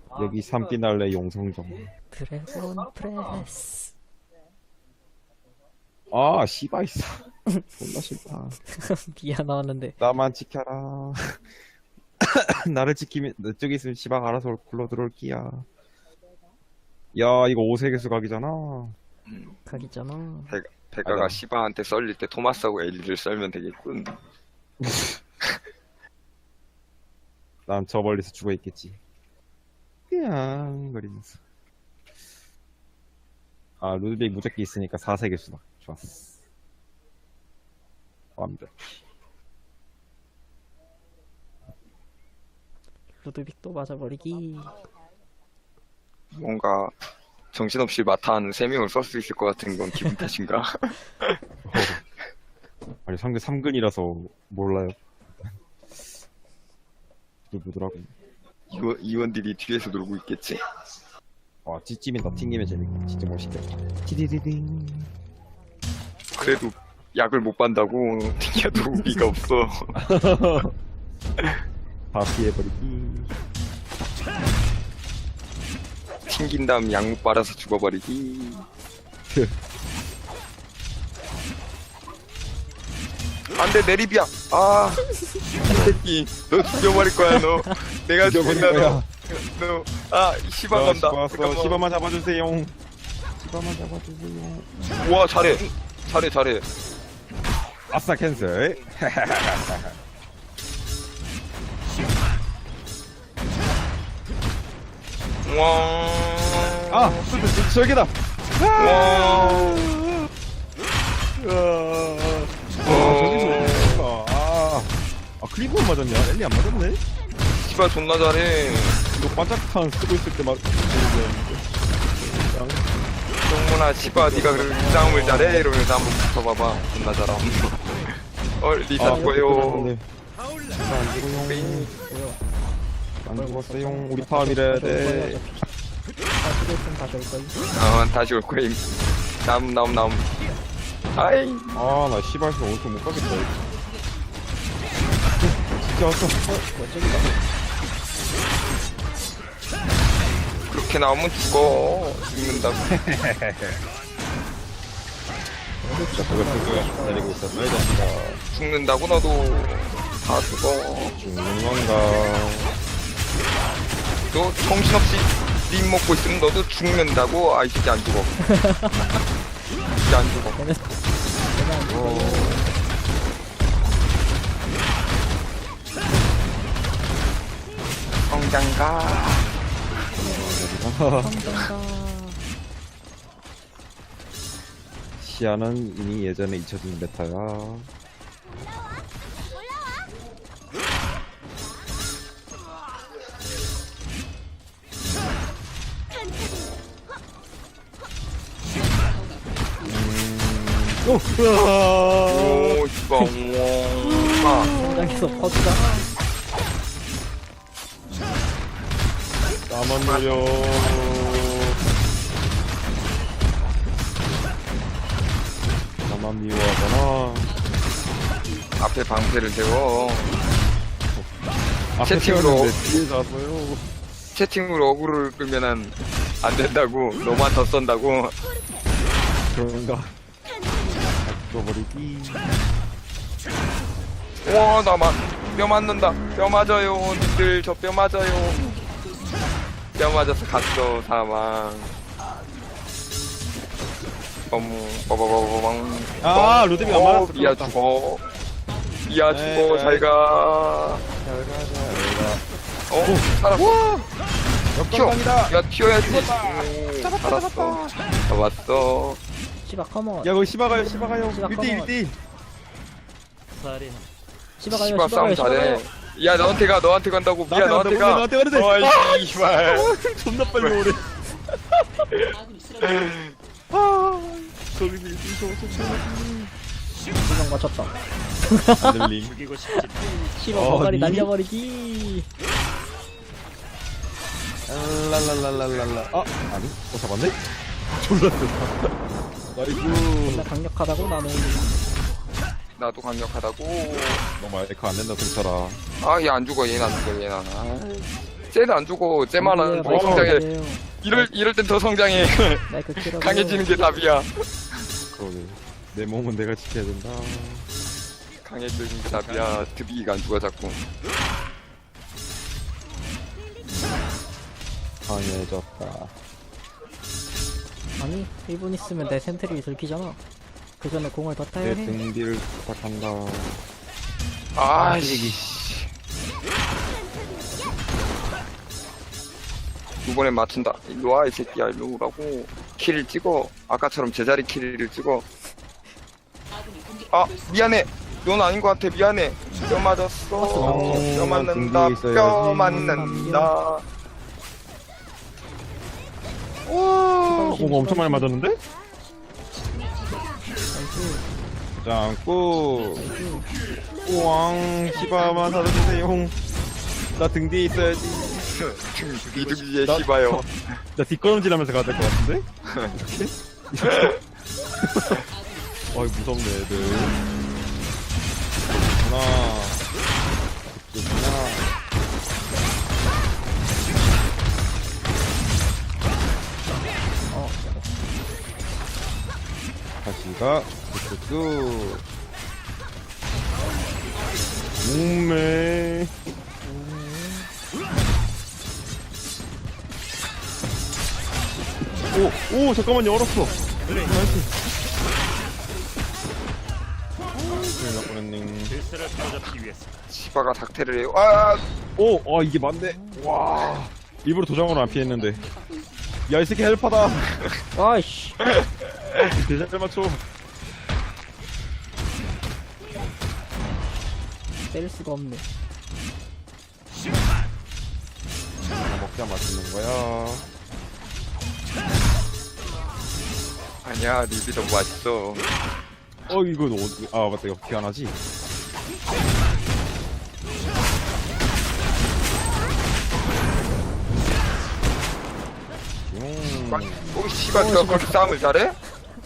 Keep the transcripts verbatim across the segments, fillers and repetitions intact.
여기 삼띠날레 용성정. 드래곤 프레스. 아, 씨바 있어. 존나 싫다. 미아 나왔는데. 나만 지켜라. 나를 지키면, 저기 있으면 씨바가 알아서 굴러 들어올 끼야. 야, 이거 오세계수 각이잖아. 각이잖아. 배, 배가가 맞아. 시바한테 썰릴 때 토마스하고 엘리를 썰면 되겠군. 난 저 멀리서 죽어 있겠지. 그냥 거리면서. 아, 루드빅 무적기 있으니까 사세계수다. 좋았어. 완벽. 루드빅 또 맞아버리기. 뭔가 정신없이 마타하는 세 명을 쓸 수 있을 것 같은 건 기분 탓인가? 아니, 상대 삼 근이라서 몰라요. 누구더라고. 이원, 이원들이 뒤에서 놀고 있겠지. 와, 찌찜이다. 튕기면 재밌고. 진짜 멋있겠다. 티디디딩. 그래도 약을 못 반다고 튕겨도 의미가 없어. 다 피해버리기. 튕긴 다음 약 못 빨아서 죽어버리기. 안돼 내리비야. 아, 이 새끼, 너 죽여버릴 거야 너. 내가 죽여버릴 죽인다 거야. 너. 너, 아, 시바 야, 건다. 시바 왔어. 잠깐만. 시바만 잡아주세요. 시바만 잡아주세요. 우와 잘해, 잘해, 잘해. 아싸, 캔슬. 우와. 아, 저기다. 우와. 아, 저기서 어떡하. 아, 아, 클리브만 맞았냐? 엘리 안 맞았네? 시바 존나 잘해. 이거 반짝탄 쓰고 있을 때 맞, 정문아 시바 네가 그렇게 싸움을 잘해? 이러면서 한번 붙어봐봐. 존나 잘함. 어 리사 아, 죽어요. 네. 안 죽어요. 안 죽었어요. 우리 파업이래야 돼. 다시 있으면 다시 올걸. 어 다시 올 거임. 나옴 나옴 나옴. 아이 아, 나 시발서 오른쪽 못 가겠다. 이거. 진짜 왔어. 원적이다. 그렇게 나오면 죽어. 죽는다고. 진짜 그거 쓰고 내리고 있었어. 이 자식아. 죽는다고 너도 다 죽어. 죽는 건가. 너 정신없이 립 먹고 있으면 너도 죽는다고. 아이 진짜 안 죽어. 진짜 안 죽어. 얘는 얘는 안 죽어. 성장가. 성장가. 시야는 이미 예전에 잊혀진 메타야. 오! 으아! 오 시바 아 성장해서 퍼주다. 나만 노려. 나만 미워하잖아. 앞에 방패를 세워. 앞에 채팅으로. 세웠는데 뒤에 잤어요. 채팅으로 어그로를 끌면은 안 된다고. 너만 더 쏜다고. 그런가? 죽어버리기. 와, 나만 뼈 맞는다. 뼈 맞아요. 님들 저 뼈 맞아요. 뼈 맞아서 갔어 사망. 어머, 빠바바바방. 아, 루드빅 안 맞았어. 미야 끝났다. 죽어. 미야 네, 죽어. 네. 잘 가. 잘 가자. 어, 살았어. 와! 튀어. 역광강이다. 야, 튀어야지. 죽었다. 오, 잡았다, 살았어. 잡았다. 잡았어. 시바 컴온. 야, 거기 시바가요, 시바가요. 시바 일 대 일, 커먼. 일 대 일. 시바 가요. 시바 시바 싸움 가요. 시바 잘해. 가요. 야, 너한테 가. 너한테 간다고. 미야, 나한테 너한테 가. 나한테 가는데, 나한테 어이, 씨발. 존나 빨리 오래. 아, 저기 무서워, 두명 맞췄다. 안 들림. 시바 어, 거가리 니? 날려버리기. 랄랄랄랄랄라. 아, 아니? 어, 잡았네? 졸라 세다. 나이스. 나 강력하다고 나는. 나도 강력하다고. 너무 에코 안 된다, 동철아. 아, 얘 안 죽어. 얘는 안 죽어. 얘는 안. 아. 쟤는 안 죽어. 쟤만은 더 성장해. 이럴, 이럴 땐 더 성장해. 마이크 키라고. 강해지는 게 답이야. 그러네. 내 몸은 내가 지켜야 된다. 강해지는 게 답이야. 드비기가 안 죽어, 자꾸. 강해졌다. 아니 일 분 있으면 내 센트리 들키잖아. 그 전에 공을 더 타야 내 해. 등뒤를 부탁한다. 아이씨. 이번엔 맞춘다. 일로 와, 이 새끼야. 일로 오라고. 킬을 찍어. 아까처럼 제자리 킬을 찍어. 아, 미안해. 넌 아닌 것 같아. 미안해. 뼈 맞았어. 어, 뼈 맞는다. 등뒤에 있어야지. 뼈 맞는다. 와, 뭔가 엄청 많이 맞았는데? 나이스. 짱꾸. 우왕, 시바만 사라지세요. 나 등 뒤에 있어야지. 비둘기의 나- 시바요. 나 뒷걸음질 하면서 가야 될 것 같은데? 이렇게? 이렇게? 어이, 무섭네, 애들. 하나. 좋구나. 어. 다시가, 뚝뚝뚝. 몸매. 오, 오, 잠깐만요, 얼었어. 나이스. 큰일 날 뻔했네. 시바가 닥테를 해요. 아, 오, 아, 이게 맞네. 와. 일부러 도장으로 안 피했는데. 야, 이 새끼 헬파다. 아이씨. 대장 잘 맞춰. 때릴 수가 없네. 하나 먹자 맞추는 거야. 아니야, 립이 너무 맛있어. 어, 이거 어디, 아, 맞다. 이거 기안하지? 음. 오, 씨발, 너 그렇게 싸움을 잘해? 야.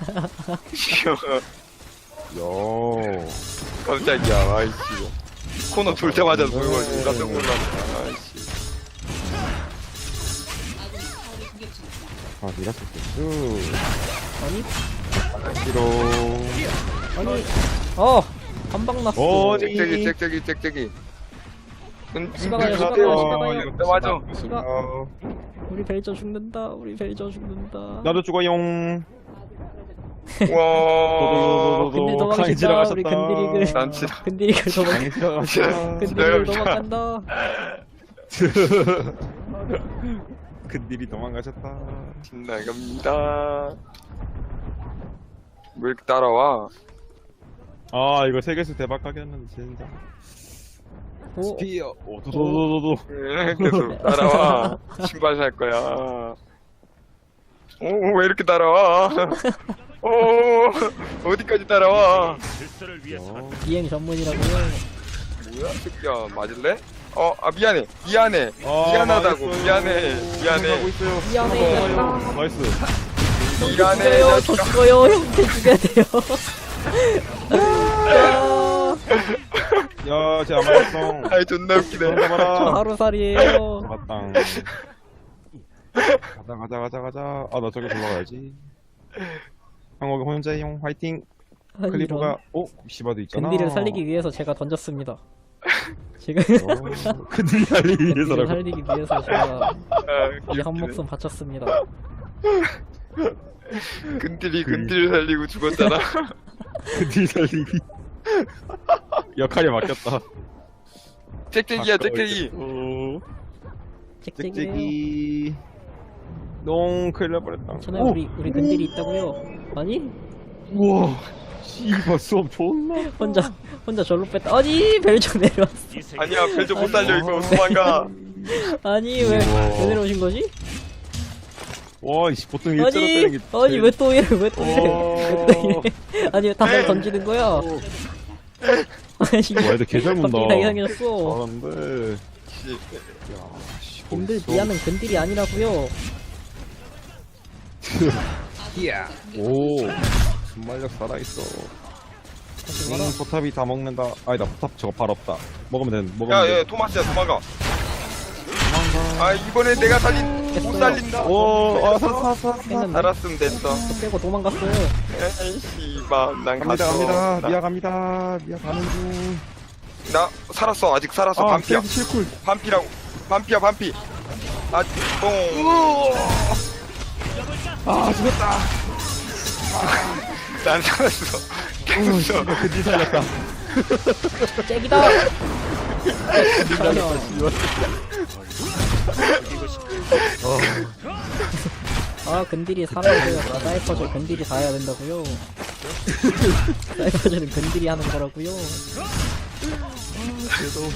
깜짝이야, 아이씨. 코너 돌 때마다 놀고 깜짝 놀랐네, 아이씨. 아, 니가 썼겠죠. 아니 싫어. 아니. 어. 한방 났어. 어디? 짹짹이, 짹짹이, 짹짹이. 은, 시바가요, 은, 시바가요, 은, 시바가요. 네, 맞아. 시바. 어, 우리 벨저 죽는다. 우리 벨저 죽는다. 나도 죽어용. 와. 근데 강이 도망친다. 지나가셨다. 우리 근디릭을. 남친아. 근디릭을 도망. 강이 지나가셨다. 근디릭을 지나갑니다. 도망간다. 근딜이 도망가셨다. 나갑니다. 왜 이렇게 따라와? 아, 이거 세계수 대박 가겠는데, 진짜. 오. 스피어. 오, 도도도도도. 왜 계속 따라와? 신발 살 거야. 오, 왜 이렇게 따라와? 오, 어디까지 따라와? 어, 비행 전문이라고요. 뭐야, 새끼야, 맞을래? 어, 아, 미안해, 미안해, 아, 미안하다고, 망했어요. 미안해, 하고 미안해, 있어요. 미안해. 어, 나이스. 미안해, 죽어요. 저 자식아. 죽어요. 형태 죽여야 돼요. 야, 야, 쟤 안 맞았어. 아이, 존나 웃기네. 저 잡아라. 하루살이에요. 잡았당. 가자, 가자, 가자, 가자. 아, 나 저기 올라가야지. 형호가 혼자용 화이팅. 아니, 클리브가, 이런. 어? 시바도 있잖아. 근디를 살리기 위해서 제가 던졌습니다. 지금 어, 근딜 살리기 근디를 위해서라고. 살리기 위해서 제가 아, 이 한 목숨 바쳤습니다. 근딜이 근딜 살리고 죽었잖아. 근딜 살리기. 역할이 맡겼다. 짹짹이야, 짹짹이. 어, 짹짹이에요. 짹짹이. 농, 큰일 날 뻔했다. 전에 우리 우리 근딜이 있다고요? 아니 우와. 씨발, 수업 존나. 혼자 혼자 절로 뺐다. 아니 벨저 내려왔어. 아니야, 벨저 못 살려, 이거. 도망가. 아니 왜, 우와. 왜 내려오신 거지? 와, 이씨, 보통 일자로 아니 때리는 게. 아니 왜 또 이래 왜 또 이래 어. 왜 또 이래? 아니 왜 다들 던지는 거야? 아니 와, 애들 개잘 문다. 갑자기 다 이상해졌어. 잘하는데. 씨. 야, 씨. 근들 멋있어. 미아는 근딜이 아니라고요. 오, 순발력 살아있어. 다시 와라. 음, 포탑이 다 먹는다. 아니다, 포탑 저거 발 없다. 먹으면 된, 먹으면 야, 돼. 야, 토마스야, 도망가. 도망가. 아 이번에 내가 살린 못 됐어요. 살린다. 오, 아, 사, 사, 사, 사. 했는데 알았으면 됐어. 저 빼고 도망갔어요. 에이 씨발 난 갑니다, 갔어. 갑니다. 나, 미아 갑니다. 미아 가는 중. 나 살았어 아직 살았어. 아, 반피야. 킬쿨 반피라고. 반피야 반피. 아 뽕. 아, 죽었다. 난 살았어. 오, 계속 씨발, 근디 살렸다. 잭이다. 그러면 아 근딜이 살아야 돼요. 아, 사이퍼즈 근딜이 다 해야 된다고요. 사이퍼즈는 근딜이 하는 거라고요. 그래도.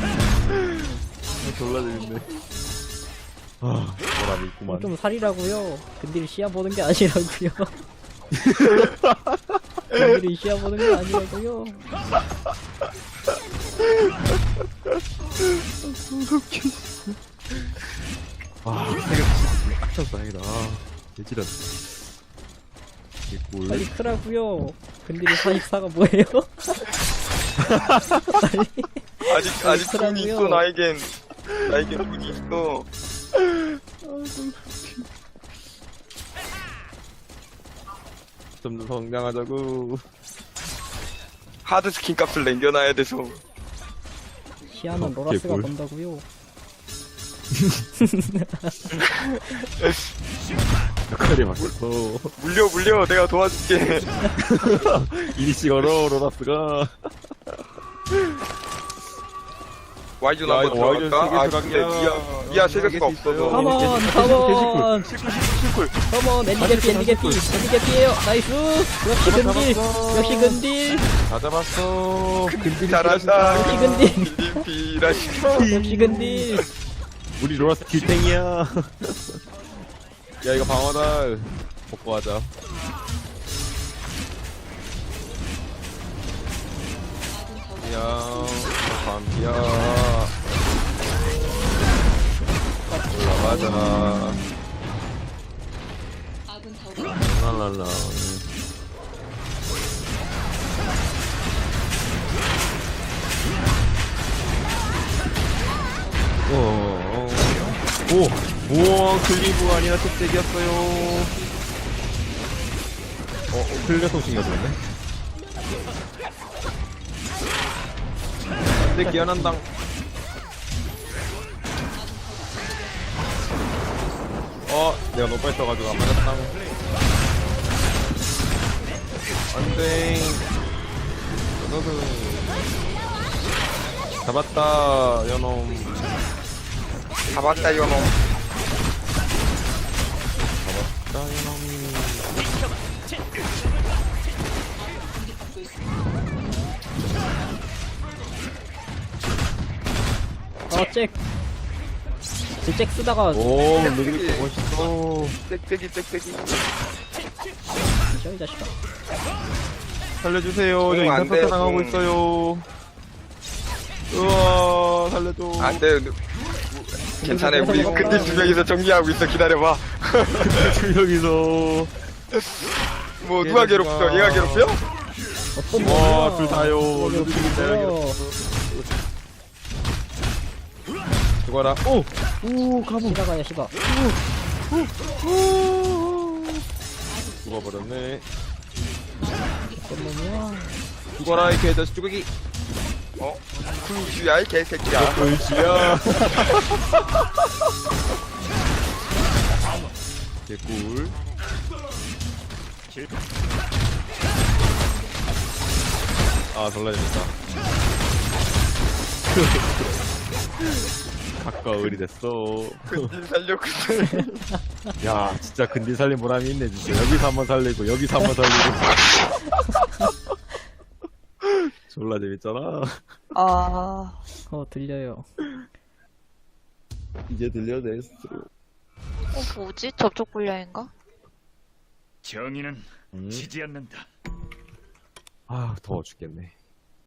아, 졸라 재밌네. 아, 보람이 있구만. 좀 살이라고요. 근딜이 시야 보는 게 아니라고요. 근딜이 시야 보는 게 아니라고요. 아, 내가 딱 쳤어, 다행이다. 개지렸. 개꿀. 빨리 크라고요. 근딜이 사십사가 뭐예요? 빨리. 아직 아직 그러고요. 돈이 있어 나에겐. 나에겐 돈이 있어. 좀 더 성장하자고. 하드 스킨 값을 남겨놔야 돼서. 시야는 어, 로라스가 개꿀. 본다고요. 역할이 바뀌었어. 물려 물려 내가 도와줄게. 이리씨 걸어, 로라스가. 와이존 야, 한번 이거 와이존 들어갈까? 아 세개 근데 들어갈게요. 미아 미아 세개수가 어, 없어서. 컴온 컴온 컴온 엔디게피 엔디게피 엔디게피에요. 나이스. 역시 근딜 역시 근딜 다 잡았어. 근딜이 잘한다. 역시 근딜 빌림피라시카. 역시 근딜. 우리 로라스 길탱이야. 야, 이거 방어다. 먹고 하자. 야, 밤비야. 올라가자. 랄랄라. 오, 오, 우와, 클리브 아니라 특색이었어요. 어, 어 클리어 통신이가 들었네. 내 기한한당. 어, 내가 너무 빨리 써가지고 안 맞았당. 안 돼. 너는 잡았다, 연놈. 잡았다 이놈. 잡았다, 연놈. 어잭 잭 쓰다가 오, 너희들 멋있어. 땡땡이 땡땡이. 저이 자식아. 살려주세요. 저 응, 안 인터셉트 돼. 당하고 응. 있어요. 우와, 살려줘. 안돼. 괜찮아 우리 근딜 두 명이서 정리하고 있어. 기다려봐. 여기서. 뭐 누가 괴롭혀? 얘가 괴롭혀? 어떤 와, 놈이야. 둘 다요. 누가 둘 괴롭혀요. 죽어라. 오! 오, 가보. 시가 가요 시가. 죽어버렸네. 어떤 놈이야. 죽어라, 이 개자식 쭈개기. 어? 굴주야 이 개새끼야. 돌지야. 개꿀. 아, 졸라 재밌다. 가까울이 됐어. 근딜 살려고. 야, 진짜 근딜 살린 보람이 있네, 진짜. 여기서 한번 살리고, 여기서 한번 살리고. 졸라 재밌잖아. 아, 어 들려요. 이제 들려냈어. 어, 뭐지? 접촉 불량인가? 정의는 음. 지지 않는다. 아, 더워 죽겠네.